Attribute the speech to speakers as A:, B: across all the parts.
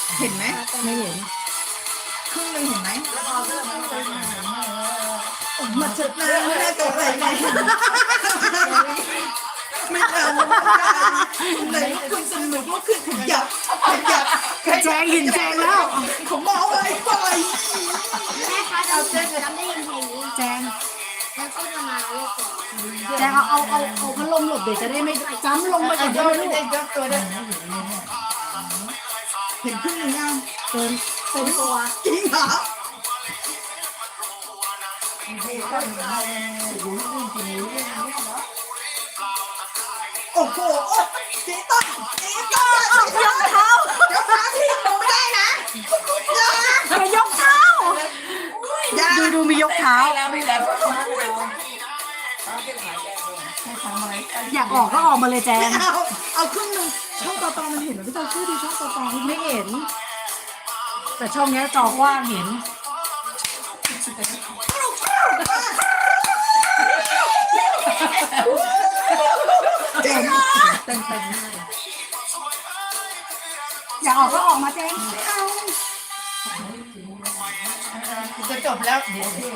A: เห็นไหม
B: ไม่เห็น
A: ครึ่งนึงเห็นไหมมาเจ็บหน้าไม่ได้ตัวอะไรเลยไม่ทันเลยคุณสนุกก็คือขยับ
B: แจงเห็นแจงแล้ว
A: ผมมองอะไรไป
C: แม่คะเราจำได้ยินเพลงนี้
B: แจง
C: แล้วก็จะมาเรียกก่อน
B: แจงเอาพัดลมหลบเดี๋ยวจะได้ไม่จ้ำลงไปก่อนได้ไหมลูก
A: ยกตัวได้เห็นครึ่งนึงยัง
B: เต็มตัว
A: จริงเหรอโอ้โหจีต้ายกเท้ายกเท้ที่ลงไม่ได้นะ
B: มายกเท้าดูมียกเท้าอยากออกก็ออกมาเลยแจง
A: เอาครึ่งนึงช่องต่อมันเห็นหรือพี่ตาชื่อดีช่องต่อ
B: ไม่เห็น แต่ช่องนี้จอกว้างเห็น
A: เจ๋ง
B: อยากออกก็ออกมาแจงไม่เอา
A: จะจบแล้ว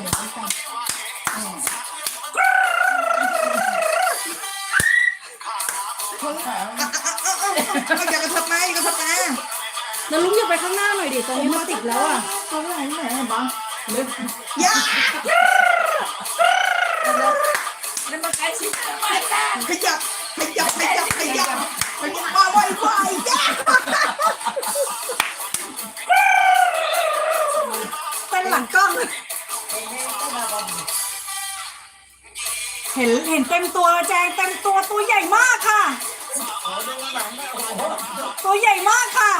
A: อยากกระทบไหมกระทบไหม
B: แล้วลุงอย่าไปข้างหน้าหน่อยดิตรงนี้มันติดแล้วอ่ะ
A: เขาไหนไหนบ้างยาแล้วมาใกล้ชิดขยับมาไวๆยาเป็นหลังกล้อง
B: เห็นเต็มตัวแจงเต็มตัวใหญ่มากค่ะ ตัวใหญ่มากค่ะ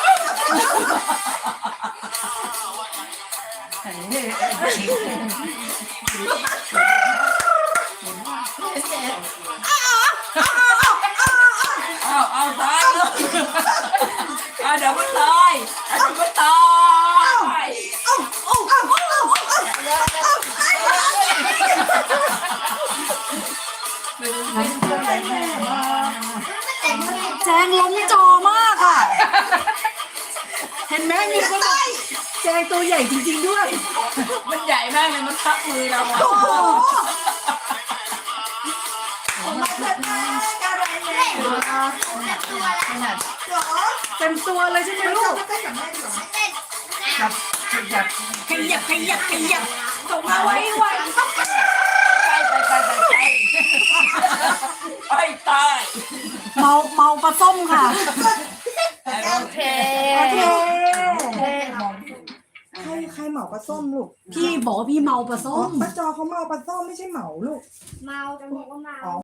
D: เอาตายเลยเดี๋ยวมันตาย
B: แจงล้มจอมากค่ะ เห็นไหมมีคนบอกแจงตัวใหญ่จริงๆด้วย
D: มันใหญ่มากเลยมันทับมือเราอ่ะ
B: เต็มตัวเลยใช่ไหมลูก
C: เต้น
B: ขยับส่งมาไว้ไว
D: ไปตาย
B: เมาปลาส้มค่ะ
D: โอเค
A: ใครเหมาปลาส้มลูก
B: พี่บอกว่าพี่เมาปลาส้ม
A: ป้าจอเขาเมาปลาส้มไม่ใช่เหมาลูก
C: เมาจะบอกว่าเมา